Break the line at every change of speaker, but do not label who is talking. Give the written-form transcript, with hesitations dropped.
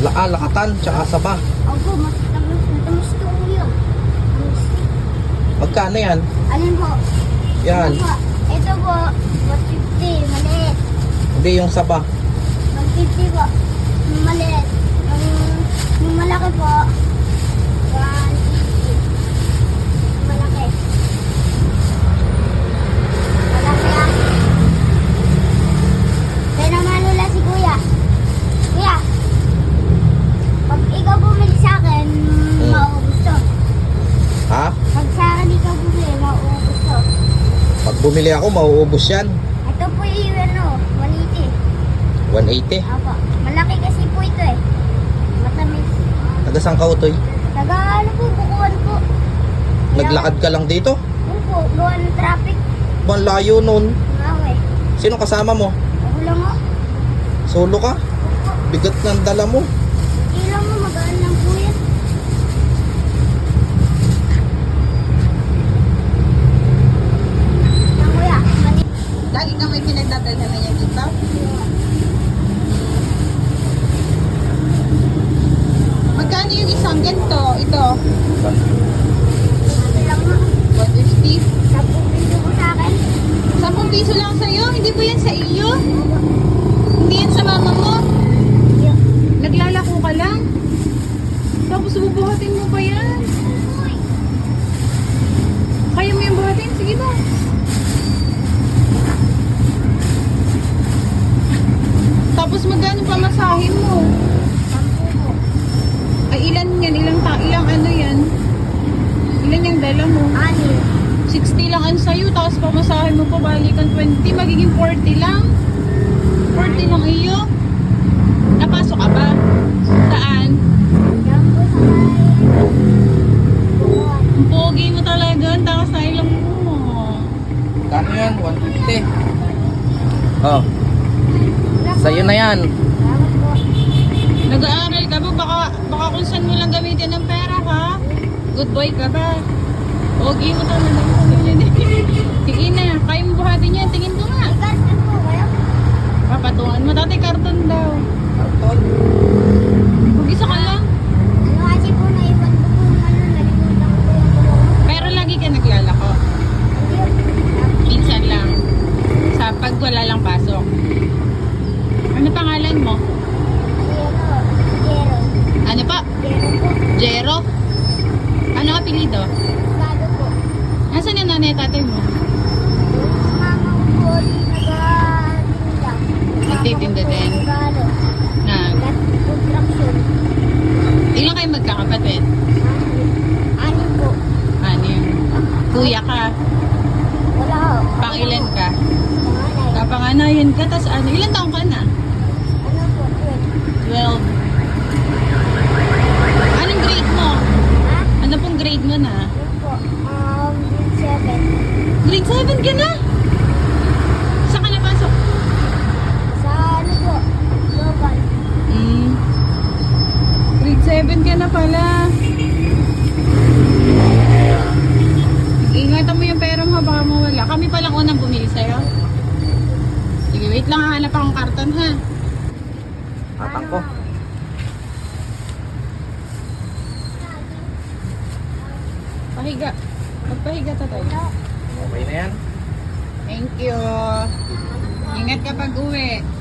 Lakatan, tsaka saba.
Opo, matamis to yun.
Magkano yan?
Alin po?
Yan.
Ito po, ito po, 150, maliit.
Hindi, yung saba.
150 po, maliit. Yung malaki po, 150. Malaki. Malaki ah. Kaya naman nila si Kuya. Kuya, pag ikaw bumili sa akin, mauubos to.
Ha?
Pag sa akin ikaw bumili, mauubos to.
Pag bumili ako, mauubos yan.
Ito po yung ano, 180.
180.
Apo. Malaki kasi po ito eh. Matamis.
Taga saan ka, Utoy?
Taga ano po, bukuan po.
Naglakad ka lang dito?
Opo, gawa ng traffic.
Bang layo nun.
Nga eh.
Sino kasama mo?
Ako lang o.
Solo ka?
Opo.
Bigat ng dala mo.
Ilang mo, magaan lang po yan. Yan kuya, mali.
Lagi ka may pinagdadalhan na niya dito? Magkano yung isang ganito? Ito,
Ano lang mo.
150.
10 piso po sa akin.
10 piso lang sa'yo? Hindi ba yan sa iyo? Hindi yan sa mama mo?
Yan.
Naglalako ka lang? Tapos bubuhatin mo pa yan? Kaya mo yung buhatin? Sige ba? Tapos magkano pamasahin mo?
10 po.
Ay ilan yan? Ilang ano yan? Ilan yung dala mo? 60 lang ang sayo, tapos pamasahin mo pa balikan 20, magiging 40 lang. 40 lang iyo. Napasok ka ba? Saan?
Yan po sa may bukuan.
Ang pogi mo talaga, ang takas na ilang mo.
Kano yan? 150. Oh, sa'yo na yan.
Salamat po.
Nag-aaral ka ba? Baka kung saan mo lang gamitin ng pera ka. Good boy ka ba? Pogi mo talaga. Sige na, kaya mo buhatin yan. Tingin ko nga.
May karton po kayo?
Papatungan mo. Dati karton daw.
Karton.
Mag-isa ka lang.
Ano kasi po naiwan ko po ano, nalimutan ko po yung tulong.
Pero lagi ka naglalako. Minsan lang. Sa pag wala lang pasok. Ano pangalan mo?
Jero.
Ano pa?
Jero po.
Jero? Ano apelido?
Gado po.
Nasaan yung nanay at tatay mo?
Yung mama ko po, nag-tinda.
Nagtitinda din?
Nag-ano,
Na,
construction.
ilan kayo magkakapatid?
Anim po.
Anim. Kuya ka?
Wala ho.
Pangilan ka?
Panganay.
Kapanganayan ka, tas ano? Ilan taong ka na?
Ano po, 12.
12. Anong grade mo?
Ha?
Ano pong grade mo na?
Ano po? 7.
Grade 7 ka na? Saan ka napasok?
Sa ano po? Global.
Grade 7 ka na pala. Ingatan mo yung pera mo, baka mawala. Kami palang unang bumili sa'yo. Sige, wait lang, hanap akong karton ha.
Tatang ko.
Pahiga. Magpahiga tatay.
Okay na yan.
Thank you. Ingat ka pag uwi.